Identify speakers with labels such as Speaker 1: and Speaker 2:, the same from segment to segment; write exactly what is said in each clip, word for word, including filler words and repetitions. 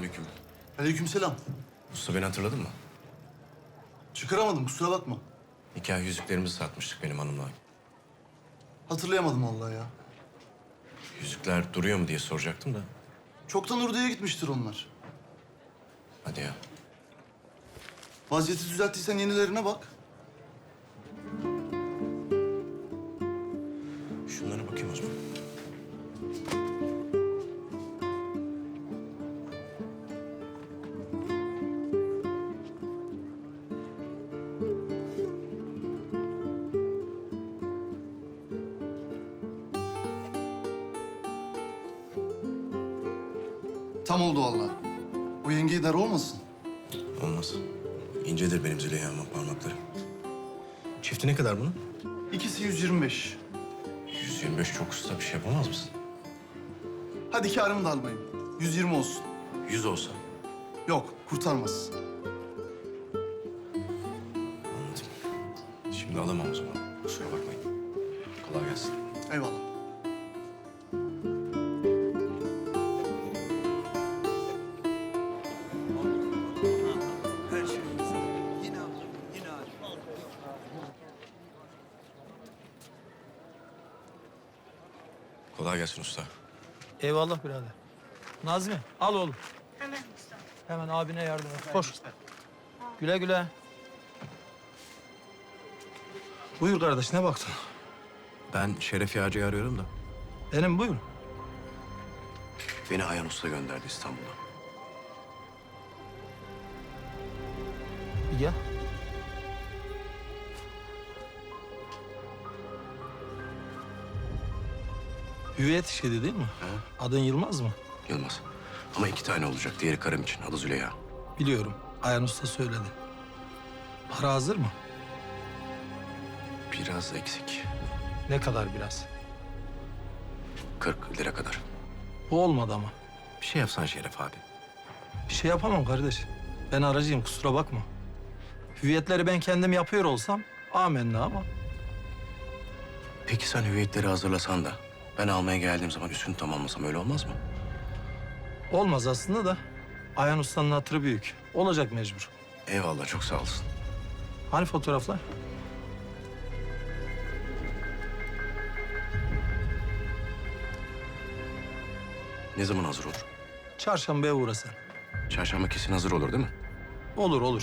Speaker 1: Selamünaleyküm.
Speaker 2: Aleykümselam.
Speaker 1: Usta beni hatırladın mı?
Speaker 2: Çıkaramadım, kusura bakma.
Speaker 1: Nikah yüzüklerimizi satmıştık benim hanımla.
Speaker 2: Hatırlayamadım vallahi ya.
Speaker 1: Yüzükler duruyor mu diye soracaktım da.
Speaker 2: Çoktan Urdu'ya gitmiştir onlar.
Speaker 1: Hadi ya.
Speaker 2: Vaziyeti düzelttiysen yenilerine bak.
Speaker 1: Şunlara bakayım o zaman.
Speaker 2: Tam oldu vallahi. O yengeyi dar olmasın.
Speaker 1: Olmaz. İncedir benim Züleyha'mın parmakları. Çifti ne kadar bunun?
Speaker 2: İkisi yüz yirmi beş.
Speaker 1: yüz yirmi beş çok usta, bir şey yapamaz mısın?
Speaker 2: Hadi kârımı da almayayım. yüz yirmi olsun.
Speaker 1: yüz olsa.
Speaker 2: Yok, kurtarmaz.
Speaker 1: Anladım. Şimdi alamam o zaman. Kusura bakmayın. Kolay gelsin.
Speaker 2: Eyvallah.
Speaker 1: Kolay gelsin usta.
Speaker 3: Eyvallah birader. Nazmi al oğlum.
Speaker 4: Hemen usta.
Speaker 3: Hemen abine yardım et. Koş. Güle güle. Buyur kardeş, ne baktın?
Speaker 1: Ben Şeref Yağcı'yı arıyorum da.
Speaker 3: Benim buyur.
Speaker 1: Beni Ayhan Usta gönderdi İstanbul'a.
Speaker 3: Bir gel. Hüviyet işiydi değil mi?
Speaker 1: He.
Speaker 3: Adın Yılmaz mı?
Speaker 1: Yılmaz. Ama iki tane olacak. Diğeri karım için. Adı Züleyha.
Speaker 3: Biliyorum. Ayhan Usta söyledi. Para hazır mı?
Speaker 1: Biraz eksik.
Speaker 3: Ne kadar biraz?
Speaker 1: kırk lira kadar.
Speaker 3: Bu olmadı ama.
Speaker 1: Bir şey yapsan Şeref abi.
Speaker 3: Bir şey yapamam kardeş. Ben aracıyım, kusura bakma. Hüviyetleri ben kendim yapıyor olsam amenna ama.
Speaker 1: Peki sen hüviyetleri hazırlasan da ben almaya geldiğim zaman üstünü tamamlasam öyle olmaz mı?
Speaker 3: Olmaz aslında da. Ayhan Usta'nın hatırı büyük. Olacak mecbur.
Speaker 1: Eyvallah, çok sağ olasın.
Speaker 3: Hani fotoğraflar?
Speaker 1: Ne zaman hazır olur?
Speaker 3: Çarşambaya uğra sen.
Speaker 1: Çarşamba kesin hazır olur değil mi?
Speaker 3: Olur olur.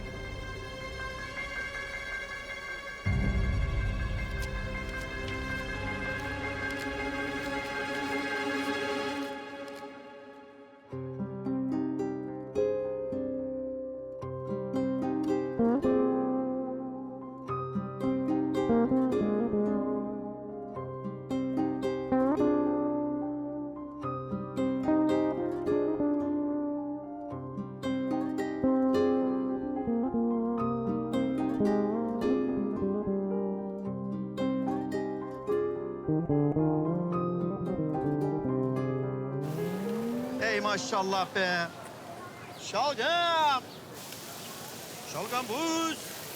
Speaker 5: Ey maşallah be. Şalgam. Şalgam buz.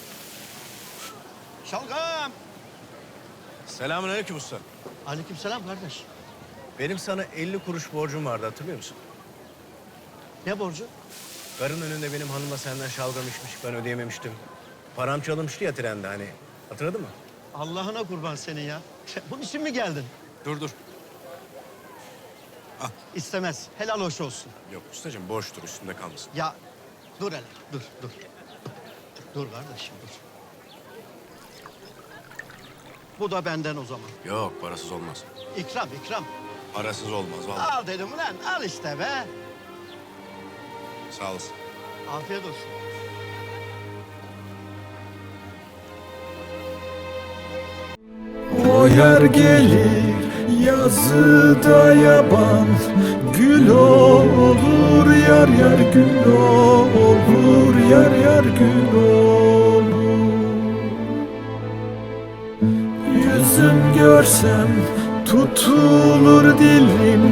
Speaker 5: Şalgam.
Speaker 6: Selamünaleyküm usta.
Speaker 5: Aleykümselam kardeş.
Speaker 6: Benim sana elli kuruş borcum vardı, hatırlıyor musun?
Speaker 5: Ne borcu?
Speaker 6: Karın önünde benim hanımla senden şalgam içmiş, ben ödeyememiştim. Param çalınmıştı ya trende hani. Hatırladın mı?
Speaker 5: Allah'ına kurban senin ya. Bunun için mi geldin?
Speaker 6: Dur dur.
Speaker 5: İstemez. Helal hoş olsun.
Speaker 6: Yok ustacığım, borçtur, üstünde kalmasın.
Speaker 5: Ya dur hele. Dur dur. Dur kardeşim dur. Bu da benden o zaman.
Speaker 1: Yok, parasız olmaz.
Speaker 5: İkram ikram.
Speaker 1: Parasız olmaz vallahi.
Speaker 5: Al dedim ulan al işte be.
Speaker 1: Sağ olasın.
Speaker 5: Afiyet olsun.
Speaker 7: O yer gelir yazıda yaban, gül olur yar yar gül olur yar yar gül olur. Yüzüm görsem tutulur dilim,